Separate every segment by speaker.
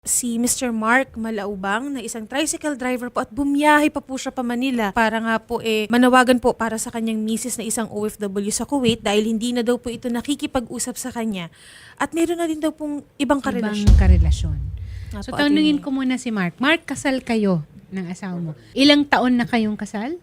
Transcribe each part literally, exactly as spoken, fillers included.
Speaker 1: Si Mister Mark Malaubang na isang tricycle driver po at bumiyahe pa po siya pa Manila para nga po eh manawagan po para sa kanyang misis na isang O F W sa Kuwait dahil hindi na daw po ito nakikipag-usap sa kanya at meron na din daw pong ibang karelasyon.
Speaker 2: Ibang karelasyon.
Speaker 1: Nga
Speaker 2: So,
Speaker 1: po,
Speaker 2: tanungin
Speaker 1: attorney.
Speaker 2: ko muna si Mark. Mark, kasal kayo ng asawa mo. Ilang taon na kayong kasal?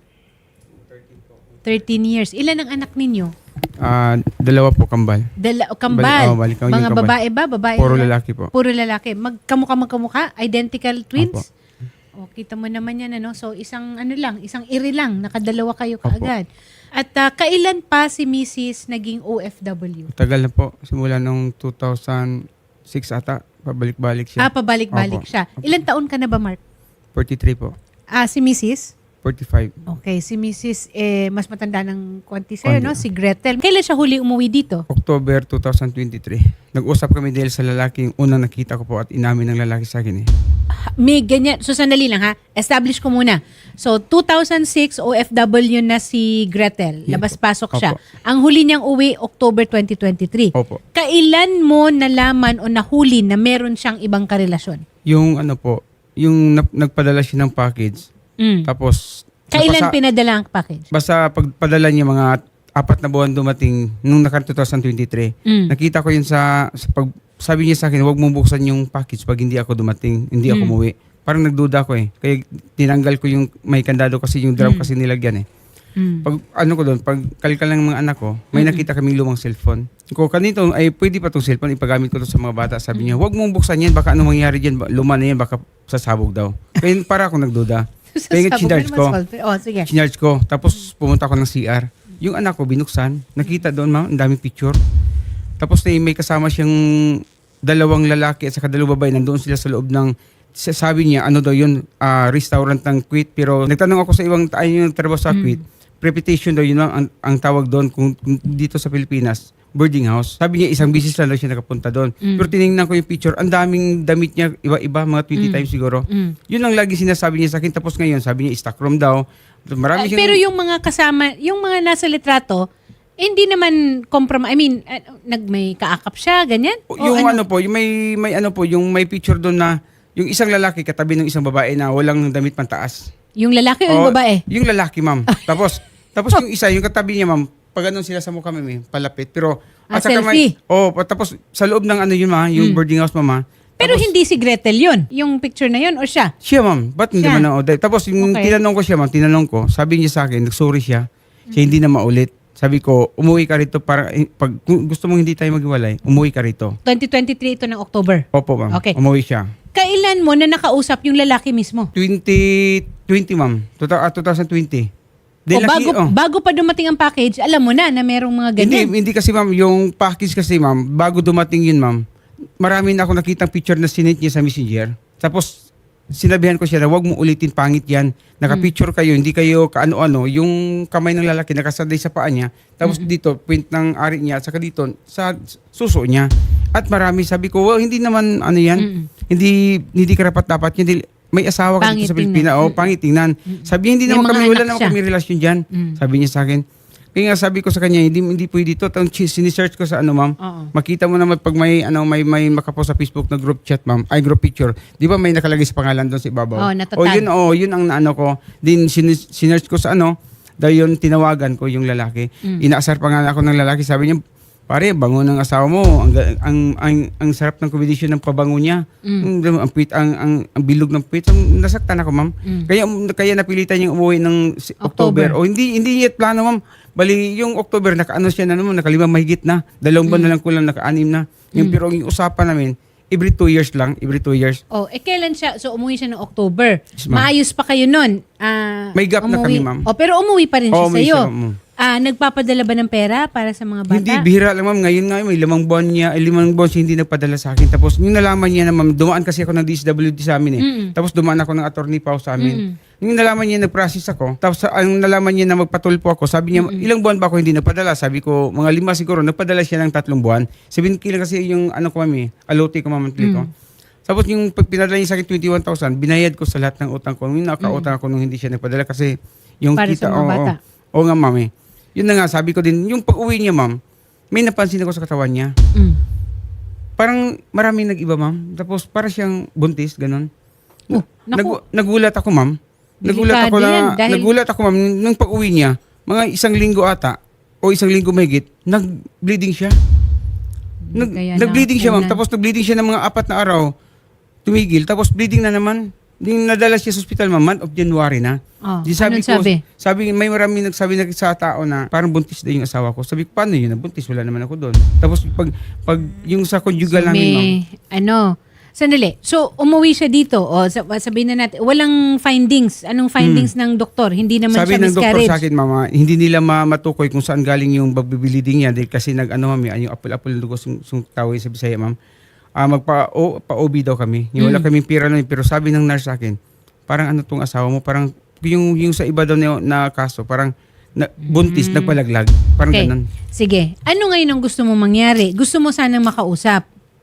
Speaker 2: thirteen years. Ilan ang anak ninyo?
Speaker 3: Ah, dalawa po kambal.
Speaker 2: Dala,
Speaker 3: Bali-
Speaker 2: kambal.
Speaker 3: oh, balik ako yung
Speaker 2: Mga
Speaker 3: kambal.
Speaker 2: babae ba? Babae
Speaker 3: Puro
Speaker 2: ba?
Speaker 3: lalaki po.
Speaker 2: Puro lalaki. Magkamukha magkamukha? Identical twins?
Speaker 3: Opo.
Speaker 2: O, kita mo naman yan, ano? So, isang ano lang, isang iri lang. Nakadalawa kayo
Speaker 3: Opo.
Speaker 2: kaagad. At ah, kailan pa si Missus naging O F W?
Speaker 3: Tagal na po. Simula nung two thousand six ata. Pabalik-balik siya.
Speaker 2: Ah, pabalik-balik
Speaker 3: Opo.
Speaker 2: siya. Ilan taon ka na ba, Mark?
Speaker 3: forty-three po.
Speaker 2: Ah, si Missus
Speaker 3: forty-five.
Speaker 2: Okay, si Missus eh, mas matanda ng konti sa'yo,
Speaker 3: Konti.
Speaker 2: no? Si Gretel. Kailan siya huli umuwi dito?
Speaker 3: October two thousand twenty-three. Nag-usap kami dahil sa lalaking unang nakita ko po at inamin ng lalaki sa akin eh.
Speaker 2: Ha- May ganyan. So, sandali lang ha. Establish ko muna. So, two thousand six, O F W na si Gretel.
Speaker 3: Yeah.
Speaker 2: Labas-pasok
Speaker 3: Opo.
Speaker 2: siya. Ang huli niyang uwi, October twenty twenty-three.
Speaker 3: Opo.
Speaker 2: Kailan mo nalaman o nahuli na meron siyang ibang karelasyon?
Speaker 3: Yung ano po, yung nap- nagpadala siya ng package.
Speaker 2: Mm.
Speaker 3: Tapos,
Speaker 2: Kailan
Speaker 3: napasa-
Speaker 2: pinadala ang package?
Speaker 3: basta pagpadala niya mga apat na buwan dumating nung naka two thousand twenty-three.
Speaker 2: Mm.
Speaker 3: Nakita ko yun sa, sa pag, sabi niya sa akin, huwag mong buksan yung package pag hindi ako dumating, hindi ako
Speaker 2: Mm.
Speaker 3: umuwi. Parang nagduda ko eh. Kaya tinanggal ko yung may kandado kasi yung drum
Speaker 2: Mm.
Speaker 3: kasi nilagyan eh.
Speaker 2: Mm.
Speaker 3: Pag ano ko doon, pag kalkal ng mga anak ko, may
Speaker 2: Mm.
Speaker 3: nakita kaming lumang cellphone. Ko kanito ay pwede pa tong cellphone ipagamit ko to sa mga bata. Sabi niya, huwag mong buksan yan, baka ano mangyari diyan, luma na yan, baka sasabog daw. Kaya para ako nagduda. Kaya nga
Speaker 2: Sasabog
Speaker 3: chinarge
Speaker 2: na
Speaker 3: ko.
Speaker 2: naman solve. Oh, sige.
Speaker 3: Chinarge ko. Tapos pumunta ako ng C R. Yung anak ko binuksan, nakita doon ma'am, ang daming picture. Tapos na may kasama siyang dalawang lalaki at saka dalawang babae, nandoon sila sa loob ng, sabi niya, ano daw yun, ah, restaurant ng Kuwait. Pero nagtanong ako sa ibang tayo yung trabaho sa
Speaker 2: Mm.
Speaker 3: Kuwait, reputation daw yun ang, ang tawag doon kung, kung dito sa Pilipinas, boarding house. Sabi niya isang bisis lang daw siya nakapunta doon.
Speaker 2: Mm.
Speaker 3: Pero tinignan ko yung picture, ang daming damit niya, iba-iba, mga twenty
Speaker 2: Mm.
Speaker 3: times siguro.
Speaker 2: Mm.
Speaker 3: Yun ang lagi sinasabi niya sa akin. Tapos ngayon, sabi niya, stock room daw. Marami
Speaker 2: Ah,
Speaker 3: siyang...
Speaker 2: pero yung mga kasama, yung mga nasa litrato, eh, hindi naman compromise. I mean, ah, nag may kaakap siya, ganyan?
Speaker 3: O,
Speaker 2: O
Speaker 3: yung ano? po, yung may may ano po, yung may picture doon na yung isang lalaki katabi ng isang babae na walang damit pantaas.
Speaker 2: Yung lalaki o yung
Speaker 3: O,
Speaker 2: babae?
Speaker 3: Yung lalaki, ma'am. tapos tapos yung isa, yung katabi niya, ma'am, pag ganun sila sa mukha, ma'am, eh, palapit. Pero
Speaker 2: Ah,
Speaker 3: saka
Speaker 2: selfie?
Speaker 3: May, oh, pa- tapos sa loob ng ano yun, ma, yung
Speaker 2: Mm.
Speaker 3: boarding house, mama.
Speaker 2: Pero
Speaker 3: tapos,
Speaker 2: hindi si Gretel yun. Yung picture na yun o siya?
Speaker 3: siya, ma'am. Ba't hindi
Speaker 2: Siya.
Speaker 3: man ako? Tapos yung
Speaker 2: Okay.
Speaker 3: tinanong ko siya, ma'am, tinanong ko, sabi niya sa akin, nagsorry siya. Siya hindi na maulit. Sabi ko, umuwi ka rito para, eh, pag kung gusto mong hindi tayo maghiwalay, umuwi ka rito.
Speaker 2: twenty twenty-three ito ng October.
Speaker 3: Opo, ma'am.
Speaker 2: Okay.
Speaker 3: Umuwi siya.
Speaker 2: Kailan mo na nakausap yung lalaki mismo?
Speaker 3: twenty twenty, ma'am. Tuta- ah, twenty twenty.
Speaker 2: O
Speaker 3: Dahil
Speaker 2: bago,
Speaker 3: laki- oh.
Speaker 2: bago pa dumating ang package, alam mo na na merong mga
Speaker 3: Hindi,
Speaker 2: ganyan.
Speaker 3: hindi kasi ma'am, yung package kasi ma'am, bago dumating yun ma'am, marami na ako nakitang picture na sinit niya sa messenger. Tapos, sinabihan ko siya na huwag mo ulitin, pangit yan. Nakapicture kayo, hindi kayo kaano-ano. Yung kamay ng lalaki nakasaday sa paa niya. Tapos dito, print ng ari niya. Saka dito, sa suso niya. At marami, sabi ko, well, hindi naman ano yan.
Speaker 2: Mm.
Speaker 3: Hindi hindi karapat dapat. Hindi, may asawa ka
Speaker 2: Pangit
Speaker 3: dito sa
Speaker 2: tingnan.
Speaker 3: Pilipinas. O, pangit tingnan. Sabi niya, hindi
Speaker 2: May
Speaker 3: naman
Speaker 2: mga
Speaker 3: kami,
Speaker 2: anak
Speaker 3: wala naman
Speaker 2: siya.
Speaker 3: kami relasyon dyan.
Speaker 2: Mm.
Speaker 3: Sabi niya sa akin. Kaya nga sabi ko sa kanya, hindi hindi pwede dito. Tang sinisearch ko sa ano, ma'am.
Speaker 2: Oo.
Speaker 3: Makita mo naman pag may ano may may makapost sa Facebook na group chat, ma'am. Ay group picture. 'Di ba may nakalagay sa pangalan doon sa ibabaw?
Speaker 2: Oh, natatag.
Speaker 3: O yun, oh, yun ang ano ko. Din sin- sinearch ko sa ano, dahil yun tinawagan ko yung lalaki.
Speaker 2: Mm.
Speaker 3: Inaasar pa nga ako ng lalaki. Sabi niya, pare, bango ng asawa mo. Ang ga- ang ang, ang sarap ng kombinasyon ng pabango niya.
Speaker 2: Mm.
Speaker 3: Ang, ang, puwit- ang, ang, ang bilog ng puwit. Ang nasaktan ako, ma'am.
Speaker 2: Mm.
Speaker 3: Kaya kaya napilitan niyang umuwi ng si-
Speaker 2: October.
Speaker 3: October. O hindi hindi yet plano, ma'am. Bali yung October nakaano siya na naman, nakalima mahigit na. Dalawang buwan na lang kulang naka-anim na. Yung
Speaker 2: Mm.
Speaker 3: pero yung usapan namin, every two years lang, every two years.
Speaker 2: Oh, eh kailan siya? So umuwi siya ng October.
Speaker 3: Yes, ma'am.
Speaker 2: Maayos pa kayo nun. Ah,
Speaker 3: May gap na
Speaker 2: umuwi-
Speaker 3: kami, ma'am.
Speaker 2: Oh, pero umuwi pa rin siya
Speaker 3: Oo, may
Speaker 2: sa'yo.
Speaker 3: siya, ma'am.
Speaker 2: Ah, nagpapadala ba ng pera para sa mga bata?
Speaker 3: Hindi, bihira lang, ma'am. Ngayon nga, may limang buwan niya, ay limang buwan siya hindi nagpadala sa akin. Tapos yung nalaman niya na, ma'am, dumaan kasi ako ng D S W D sa amin eh.
Speaker 2: Mm-mm.
Speaker 3: Tapos dumaan ako ng attorney pa sa amin.
Speaker 2: Mm-mm.
Speaker 3: Yung nalaman niya, nag-process ako. Tapos ang nalaman niya na magpatulpo ako, sabi niya, ilang buwan ba ako hindi nagpadala? Sabi ko, mga lima siguro. Nagpadala siya ng tatlong buwan. seven K lang kasi yung ano ko, ma'am, eh, alote ko, ma'am, monthly ko. Tapos yung pag pinadala niya sa akin twenty-one thousand, binayad ko sa lahat ng utang ko. Yung nakautang ako nung hindi siya nagpadala kasi yung
Speaker 2: Para
Speaker 3: kita,
Speaker 2: sa mga
Speaker 3: oo,
Speaker 2: bata.
Speaker 3: oo, oo nga, ma'am, eh. Yun na nga, sabi ko din, yung pag-uwi niya, ma'am, may napansin ako sa katawan niya.
Speaker 2: Mm.
Speaker 3: parang maraming nag-iba, ma'am. Tapos para siyang buntis, ganun.
Speaker 2: Oh, naku.
Speaker 3: Nag- nagulat ako, ma'am. Nagulat ako
Speaker 2: Delikado yan,
Speaker 3: na,
Speaker 2: dahil-
Speaker 3: nagulat ako, ma'am, nung pag-uwi niya, mga isang linggo ata, o isang linggo mahigit, nag-bleeding siya. Nag,
Speaker 2: Kaya
Speaker 3: nag-bleeding siya, ma'am.
Speaker 2: nakunan.
Speaker 3: Tapos nag-bleeding siya ng mga apat na araw. Tumigil. Tapos bleeding na naman. Din nadala siya sa hospital, ma'am, month of January na.
Speaker 2: Oh,
Speaker 3: Di sabi
Speaker 2: anong
Speaker 3: ko,
Speaker 2: sabi?
Speaker 3: sabi, may maraming nagsabi na sa tao na parang buntis na yung asawa ko. Sabi ko, paano yun? Buntis, wala naman ako doon. Tapos pag, pag yung sa conjugal
Speaker 2: So,
Speaker 3: namin, ma'am,
Speaker 2: may, ano, sandali. So, umuwi siya dito. O, sab- sabihin na natin, walang findings. Anong findings ng doktor? Hindi naman
Speaker 3: Hmm. sabi
Speaker 2: siya
Speaker 3: ng doktor
Speaker 2: miscarriage.
Speaker 3: sa akin, mama, hindi nila ma- matukoy kung saan galing yung babibiliding niya dahil kasi nag, ano, ma'am, yung apple-apple ng dugo, sung, sung tawag sa Bisaya, ma'am. Ah, magpa o, pa-O B daw kami. Yung wala
Speaker 2: Mm.
Speaker 3: kaming pira nun, pero sabi ng nurse sa akin, parang ano tong asawa mo, parang yung yung sa iba daw na, na kaso, parang na, buntis, nagpalaglag. Parang
Speaker 2: Okay.
Speaker 3: ganun.
Speaker 2: Sige. Ano ngayon ang gusto mo mangyari? Gusto mo sanang makausap?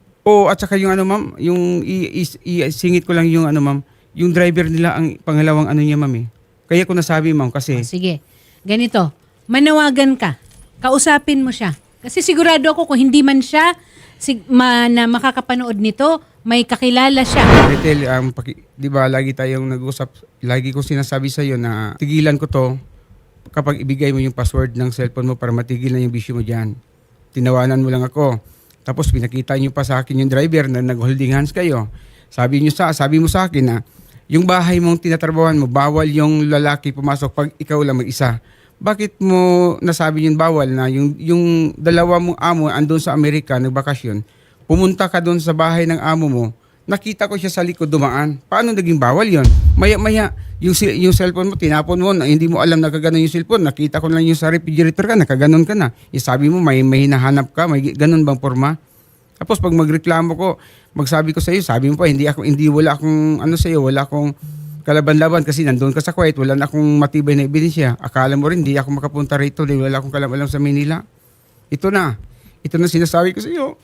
Speaker 3: O at saka yung ano ma'am, yung i- i- isingit ko lang yung ano ma'am, yung driver nila ang pangalawang ano niya ma'am eh. Kaya ko nasabi ma'am kasi
Speaker 2: O, sige. Ganito. Manawagan ka. Kausapin mo siya. Kasi sigurado ako kung hindi man siya sig- ma- na makakapanood nito, may kakilala siya.
Speaker 3: Retail, um, paki, di ba lagi tayong nag-usap, lagi ko sinasabi sa iyo na tigilan ko to kapag ibigay mo yung password ng cellphone mo para matigil na yung bisyo mo dyan. Tinawanan mo lang ako. Tapos pinakita niyo pa sa akin yung driver na nag-holding hands kayo. Sabi niyo sa, sabi mo sa akin na yung bahay mong tinatrabawan mo, bawal yung lalaki pumasok pag ikaw lang mag-isa. Bakit mo nasabi yung bawal na yung, yung dalawa mong amo andun sa Amerika, nagbakasyon, pumunta ka doon sa bahay ng amo mo, nakita ko siya sa likod dumaan. Paano naging bawal yon? Maya-maya, yung, si- yung cellphone mo, tinapon mo, na hindi mo alam na kaganon yung cellphone. Nakita ko lang yung sa refrigerator ka, nakaganon ka na. Eh, sabi mo, may, may hinahanap ka, may ganon bang forma? Tapos pag magreklamo ko, magsabi ko sa iyo, sabi mo pa, hindi ako, hindi wala akong, ano sa iyo, wala akong kalaban-laban kasi nandun ka sa Kuwait, wala na akong matibay na ebidensya. Akala mo rin, hindi ako makapunta rito dahil wala akong kalaban sa Manila. Ito na. Ito na sinasabi ko sa iyo.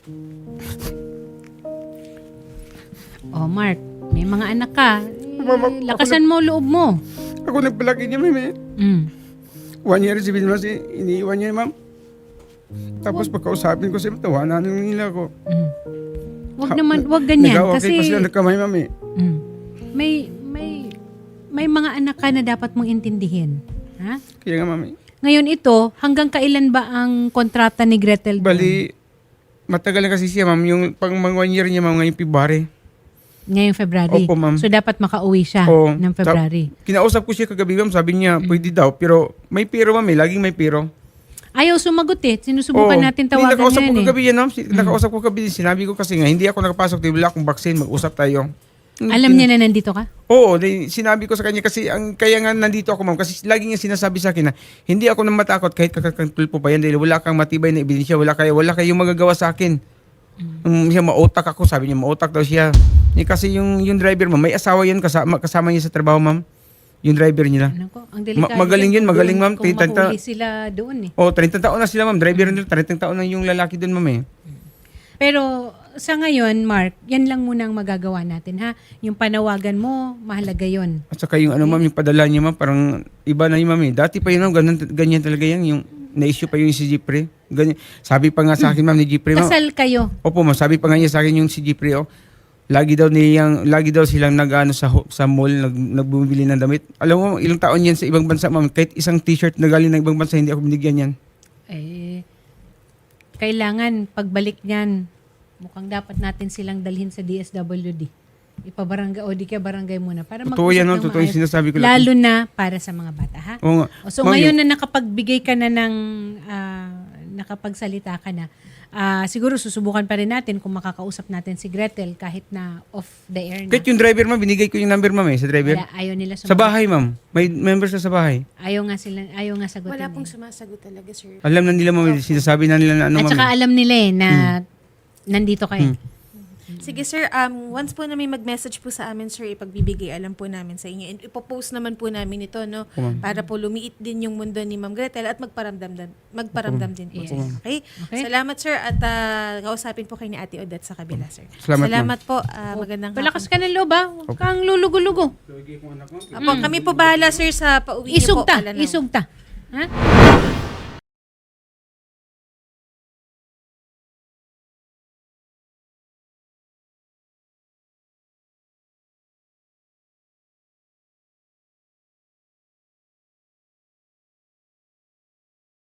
Speaker 2: Oh, Mark, may mga anak ka. Eh,
Speaker 3: Mama, ako
Speaker 2: lakasan mo loob mo.
Speaker 3: Ako nagpalaki niya, ma'am.
Speaker 2: Mm.
Speaker 3: One year, sabihin mo si iniiwan niya, ma'am. Tapos pagkausapin ko siya, tawanan nila ako.
Speaker 2: Mm. Wag naman, wag ganyan.
Speaker 3: Nag-okay
Speaker 2: Kasi
Speaker 3: pa sila nagkamay, ma'am eh.
Speaker 2: mm, may, may, may mga anak ka na dapat mong intindihin. Ha?
Speaker 3: Kaya nga, ma'am eh.
Speaker 2: Ngayon ito, hanggang kailan ba ang kontrata ni Gretel doon?
Speaker 3: Bali, matagal na kasi siya, ma'am. Yung pang mga one year niya, ma'am, ngayong February.
Speaker 2: Ngayong February.
Speaker 3: Opo, ma'am.
Speaker 2: So dapat makauwi siya
Speaker 3: Oo.
Speaker 2: ng February.
Speaker 3: Kinausap ko siya kagabi, ma'am. Sabi niya, pwede daw. Pero may pero, ma'am eh. Laging may pero.
Speaker 2: Ayaw sumagot eh. Sinusubukan
Speaker 3: Oo.
Speaker 2: natin
Speaker 3: Hindi,
Speaker 2: tawagan
Speaker 3: nakausap
Speaker 2: yan
Speaker 3: ko
Speaker 2: eh.
Speaker 3: kagabi yan, ma'am. Si- Nakausap ko kagabi. Sinabi ko kasi nga, hindi ako nakapasok. Di wala akong vaccine. Mag-usap tayo.
Speaker 2: Alam niya na nandito ka?
Speaker 3: Oo, di- sinabi ko sa kanya kasi ang kaya nga nandito ako, ma'am, kasi lagi niya sinasabi sa akin na hindi ako nang matakot kahit kakakantulpo pa yan dahil wala kang matibay na ebidensya, wala kayo, wala kayong magagawa sa akin. Um, siya mautak ako, sabi niya mautak daw siya. Eh, kasi yung yung driver, ma'am, may asawa yan kasama, kasama niya sa trabaho, ma'am. Yung driver nila.
Speaker 2: Ano ko? Ang delikado.
Speaker 3: Ma- magaling yun,
Speaker 2: kung
Speaker 3: magaling,
Speaker 2: doon-
Speaker 3: ma'am.
Speaker 2: Kung
Speaker 3: Tita-
Speaker 2: mahuli sila doon eh.
Speaker 3: Oh, thirty taon na sila, ma'am. Driver nila, thirty taon na yung lalaki doon, ma'am eh.
Speaker 2: Pero sa ngayon, Mark, yan lang muna ang magagawa natin ha. Yung panawagan mo, mahalaga yon.
Speaker 3: At saka yung ano, ma'am, yung padala niya, ma'am, parang iba na yung ma'am eh. Dati pa yun, ma'am, ganun, ganyan talaga yan. Yung na-issue pa yung si Jeffrey. Ganyan. Sabi pa nga sa akin, ma'am, ni Jeffrey, ma'am.
Speaker 2: Kasal kayo.
Speaker 3: Opo, ma'am, sabi pa nga niya sa akin yung si Jeffrey, oh. Lagi daw niyang, lagi daw silang nag-ano sa ho- sa mall, nag, nagbumibili ng damit. Alam mo, ilang taon yan sa ibang bansa, ma'am. Kahit isang t-shirt na galing ng ibang bansa, hindi ako binigyan yan.
Speaker 2: Eh, kailangan pagbalik niyan, mukhang dapat natin silang dalhin sa D S W D. Ipabarangay o di kaya barangay muna para
Speaker 3: Totoo
Speaker 2: mag-usap
Speaker 3: yan, no?
Speaker 2: ng
Speaker 3: Totoo yung
Speaker 2: maayos.
Speaker 3: sinasabi ko lang.
Speaker 2: Lalo na para sa mga bata, ha?
Speaker 3: Oo nga.
Speaker 2: O, so
Speaker 3: Ma'am,
Speaker 2: ngayon
Speaker 3: yung-
Speaker 2: na nakapagbigay ka na ng ah, nakapagsalita ka na, ah, siguro susubukan pa rin natin kung makakausap natin si Gretel kahit na off the air na.
Speaker 3: Kahit yung driver, ma'am, binigay ko yung number, ma'am, eh, sa driver.
Speaker 2: Wala, ayaw nila
Speaker 3: Sa
Speaker 2: sumagot.
Speaker 3: bahay, ma'am. May members na sa bahay.
Speaker 2: Ayaw nga sila, ayaw nga sagutin.
Speaker 1: Wala
Speaker 2: eh.
Speaker 1: pong sumasagot talaga, sir.
Speaker 3: Alam na nila, ma'am, sinasabi na nila na ano,
Speaker 2: At
Speaker 3: ma'am.
Speaker 2: saka
Speaker 3: eh.
Speaker 2: alam nila eh na nandito kayo.
Speaker 3: Hmm.
Speaker 1: Sige, sir. Um, once po na may mag-message po sa amin, sir, ipagbibigay alam po namin sa inyo. And ipopost naman po namin ito, no?
Speaker 3: Opo, ma'am.
Speaker 1: Para po lumiit din yung mundo ni Ma'am Gretel at magparamdam, din- magparamdam din po.
Speaker 2: Yes.
Speaker 1: Sir. Okay?
Speaker 2: Okay.
Speaker 1: Salamat, sir. At uh, kausapin po kayo ni Ate Odette sa kabila, sir.
Speaker 3: Salamat,
Speaker 1: po. ah, magandang
Speaker 2: Palakas ka ng loob ha. Huwag kang lulugo-lugo.
Speaker 1: hapon. Apo, kami po bahala, sir, sa pauwi niyo po.
Speaker 2: Isugta.
Speaker 1: Pala ng-
Speaker 2: Isugta. Ha?